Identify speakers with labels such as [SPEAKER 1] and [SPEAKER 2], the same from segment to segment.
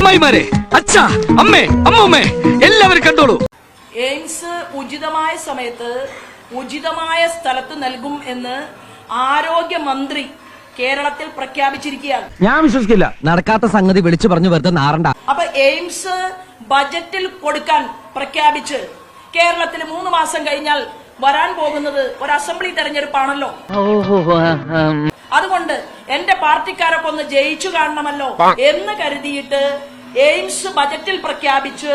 [SPEAKER 1] അമ്മായിമാരെ, അച്ഛാ, അമ്മേ, അമ്മൂമ്മേ, എല്ലാവരും കണ്ടോളൂ.
[SPEAKER 2] എയിംസ് ഉചിതമായ സമയത്ത് ഉചിതമായ സ്ഥലത്ത് നൽകും എന്ന് ആരോഗ്യമന്ത്രി കേരളത്തിൽ പ്രഖ്യാപിച്ചിരിക്കുകയാണ്.
[SPEAKER 1] ഞാൻ വിശ്വസിക്കില്ല. നടക്കാത്ത സംഗതി വിളിച്ചു പറഞ്ഞു വെറുതെ നാറണ്ട.
[SPEAKER 2] അപ്പൊ എയിംസ് ബജറ്റിൽ കൊടുക്കാൻ പ്രഖ്യാപിച്ച് കേരളത്തിൽ 3 മാസം കഴിഞ്ഞാൽ വരാൻ പോകുന്നത് ഒരു അസംബ്ലി തെരഞ്ഞെടുപ്പാണല്ലോ. അതുകൊണ്ട് എന്റെ പാർട്ടിക്കാരൊക്കെ ഒന്ന് ജയിച്ചു കാണണമല്ലോ എന്ന് കരുതിയിട്ട് എയിംസ് ബജറ്റിൽ പ്രഖ്യാപിച്ച്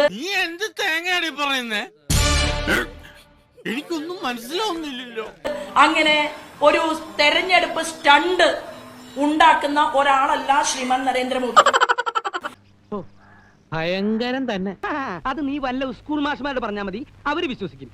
[SPEAKER 3] എനിക്കൊന്നും മനസ്സിലാവുന്നില്ലല്ലോ.
[SPEAKER 2] അങ്ങനെ ഒരു തെരഞ്ഞെടുപ്പ് സ്റ്റണ്ട് ഉണ്ടാക്കുന്ന ഒരാളല്ല ശ്രീമാൻ നരേന്ദ്രമോദി.
[SPEAKER 1] ഭയങ്കരം തന്നെ. അത് നീ വല്ല സ്കൂൾ മാഷ്മാരോട് പറഞ്ഞാൽ മതി, അവര് വിശ്വസിക്കും.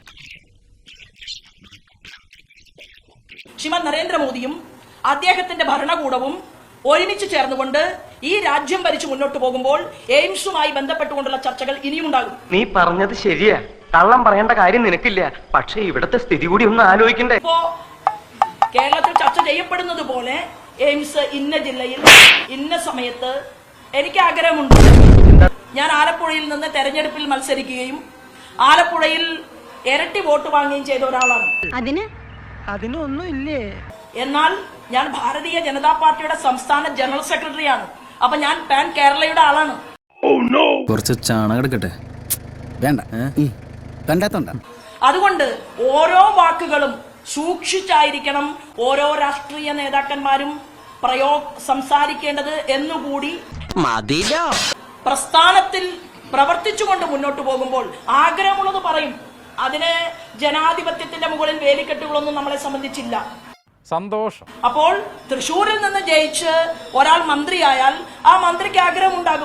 [SPEAKER 2] ശ്രീമാൻ നരേന്ദ്രമോദിയും അദ്ദേഹത്തിന്റെ ഭരണകൂടവും ഒരുമിച്ച് ചേർന്നുകൊണ്ട് ഈ രാജ്യം ഭരിച്ചു മുന്നോട്ട് പോകുമ്പോൾ എയിംസുമായി ബന്ധപ്പെട്ടുകൊണ്ടുള്ള ചർച്ചകൾ ഇനിയും ഉണ്ടാകും.
[SPEAKER 4] നീ പറഞ്ഞത് ശരിയാ, കള്ളം പറയേണ്ട കാര്യം നിനക്കില്ല. പക്ഷെ ഇവിടത്തെ സ്ഥിതി കൂടി ഒന്ന് ആലോചിക്കണ്ടേ.
[SPEAKER 2] ഇപ്പോ കേരളത്തിൽ ചർച്ച ചെയ്യപ്പെടുന്നത് പോലെ എയിംസ് ഇന്ന ജില്ലയിൽ ഇന്ന സമയത്ത് എനിക്ക് ആഗ്രഹമുണ്ട്. ഞാൻ ആലപ്പുഴയിൽ നിന്ന് തെരഞ്ഞെടുപ്പിൽ മത്സരിക്കുകയും ആലപ്പുഴയിൽ ഇരട്ടി വോട്ട് വാങ്ങുകയും ചെയ്ത ഒരാളാണ്.
[SPEAKER 1] അതിനൊന്നും ഇല്ലേ?
[SPEAKER 2] എന്നാൽ ഞാൻ ഭാരതീയ ജനതാ പാർട്ടിയുടെ സംസ്ഥാന ജനറൽ സെക്രട്ടറിയാണ്. അപ്പൊ ഞാൻ പാൻ കേരളയുടെ ആളാണ്.
[SPEAKER 5] കുറച്ച് ചാണകം എടുക്കട്ടെ? വേണ്ട, കണ്ടാത്തോണ്ട.
[SPEAKER 2] അതുകൊണ്ട് ഓരോ വാക്കുകളും സൂക്ഷിച്ചായിരിക്കണം ഓരോ രാഷ്ട്രീയ നേതാക്കന്മാരും സംസാരിക്കേണ്ടത് എന്നുകൂടി പ്രസ്ഥാനത്തിൽ പ്രവർത്തിച്ചുകൊണ്ട് മുന്നോട്ട് പോകുമ്പോൾ ആഗ്രഹമുള്ളത് പറയും. അതിന് ജനാധിപത്യത്തിന്റെ മുകളിൽ വേലിക്കെട്ടുകളൊന്നും നമ്മളെ സംബന്ധിച്ചില്ല.
[SPEAKER 6] സന്തോഷം.
[SPEAKER 2] അപ്പോൾ തൃശ്ശൂരിൽ നിന്ന് ജയിച്ച് ഒരാൾ മന്ത്രിയായാൽ ആ മന്ത്രിക്ക് ആഗ്രഹമുണ്ടാകും.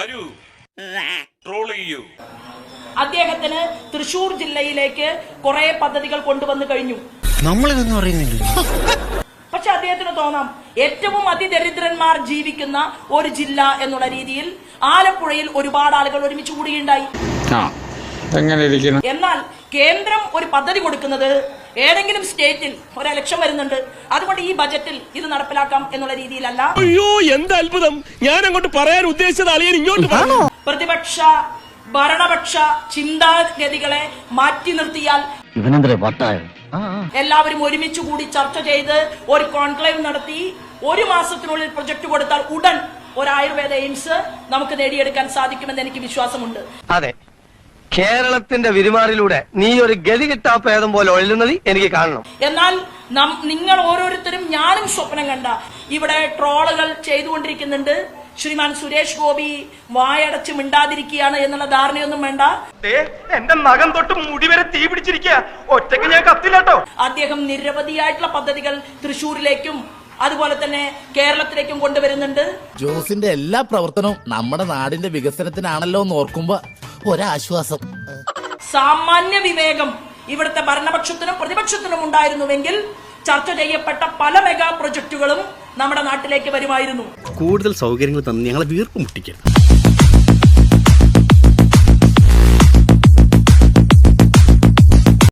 [SPEAKER 2] അദ്ദേഹത്തിന് തൃശ്ശൂർ ജില്ലയിലേക്ക് കുറെ പദ്ധതികൾ കൊണ്ടുവന്നു കഴിഞ്ഞു.
[SPEAKER 3] നമ്മളിതൊന്നും അറിയുന്നില്ല.
[SPEAKER 2] പക്ഷെ അദ്ദേഹത്തിന് തോന്നാം ഏറ്റവും അതിദരിദ്രന്മാർ ജീവിക്കുന്ന ഒരു ജില്ല എന്നുള്ള രീതിയിൽ ആലപ്പുഴയിൽ ഒരുപാട് ആളുകൾ ഒരുമിച്ച് കൂടുകയുണ്ടായി. എന്നാൽ കേന്ദ്രം ഒരു പദ്ധതി കൊടുക്കുന്നത് ഏതെങ്കിലും സ്റ്റേറ്റിൽ ഒരു ഇലക്ഷൻ വരുന്നുണ്ട്, അതുകൊണ്ട് ഈ ബജറ്റിൽ ഇത് നടപ്പിലാക്കാം എന്നുള്ള രീതിയിലല്ല.
[SPEAKER 3] അയ്യോ, എന്ത് അത്ഭുതം! ഞാൻ അങ്ങോട്ട് പറയാൻ ഉദ്ദേശിച്ചത് അളിയൻ ഇങ്ങോട്ട്
[SPEAKER 2] പ്രതിപക്ഷ ഭരണപക്ഷ ചിന്താഗതികളെ മാറ്റി നിർത്തിയാൽ എല്ലാവരും ഒരുമിച്ച് കൂടി ചർച്ച ചെയ്ത് ഒരു കോൺക്ലേവ് നടത്തി 1 മാസത്തിനുള്ളിൽ പ്രൊജക്ട് കൊടുത്താൽ ഉടൻ ഒരു ആയുർവേദ എയിംസ് നമുക്ക് നേടിയെടുക്കാൻ സാധിക്കുമെന്ന് എനിക്ക് വിശ്വാസമുണ്ട്.
[SPEAKER 4] അതെ, കേരളത്തിന്റെ വിരുമാറിലൂടെ നീ ഒരു ഗതി കിട്ടാപ്പേദം പോലെ ഒഴുകുന്നത് എനിക്ക് കാണണം.
[SPEAKER 2] എന്നാൽ നിങ്ങൾ ഓരോരുത്തരും, ഞാനും സ്വപ്നം കണ്ട ഇവിടെ ട്രോളുകൾ ചെയ്തുകൊണ്ടിരിക്കുന്നുണ്ട്. ശ്രീമാൻ സുരേഷ് ഗോപി വായടച്ച് മിണ്ടാതിരിക്കുകയാണ് എന്നുള്ള ധാരണയൊന്നും വേണ്ട.
[SPEAKER 4] എന്റെ നഖം തൊട്ട് മുടി വരെ തീ പിടിച്ചിരിക്കുക. ഒറ്റയ്ക്ക് ഞാൻ കത്തില്ലാട്ടോ.
[SPEAKER 2] അദ്ദേഹം നിരവധിയായിട്ടുള്ള പദ്ധതികൾ തൃശ്ശൂരിലേക്കും അതുപോലെ തന്നെ കേരളത്തിലേക്കും കൊണ്ടുവരുന്നുണ്ട്.
[SPEAKER 7] ജോസിന്റെ എല്ലാ പ്രവർത്തനവും നമ്മുടെ നാടിന്റെ വികസനത്തിനാണല്ലോ എന്ന് ഓർക്കുമ്പോ ഒരാശ്വാസം.
[SPEAKER 2] സാമാന്യ വിവേകം ഇവിടുത്തെ ഭരണപക്ഷത്തിനും പ്രതിപക്ഷത്തിനും ഉണ്ടായിരുന്നുവെങ്കിൽ ചർച്ച ചെയ്യപ്പെട്ട പല മെഗാ പ്രൊജക്ടുകളും നമ്മുടെ നാട്ടിലേക്ക് വരുമായിരുന്നു.
[SPEAKER 3] കൂടുതൽ സൗകര്യങ്ങൾ തന്നെ ഞങ്ങളെ വീർപ്പ് മുട്ടിക്കരുത്.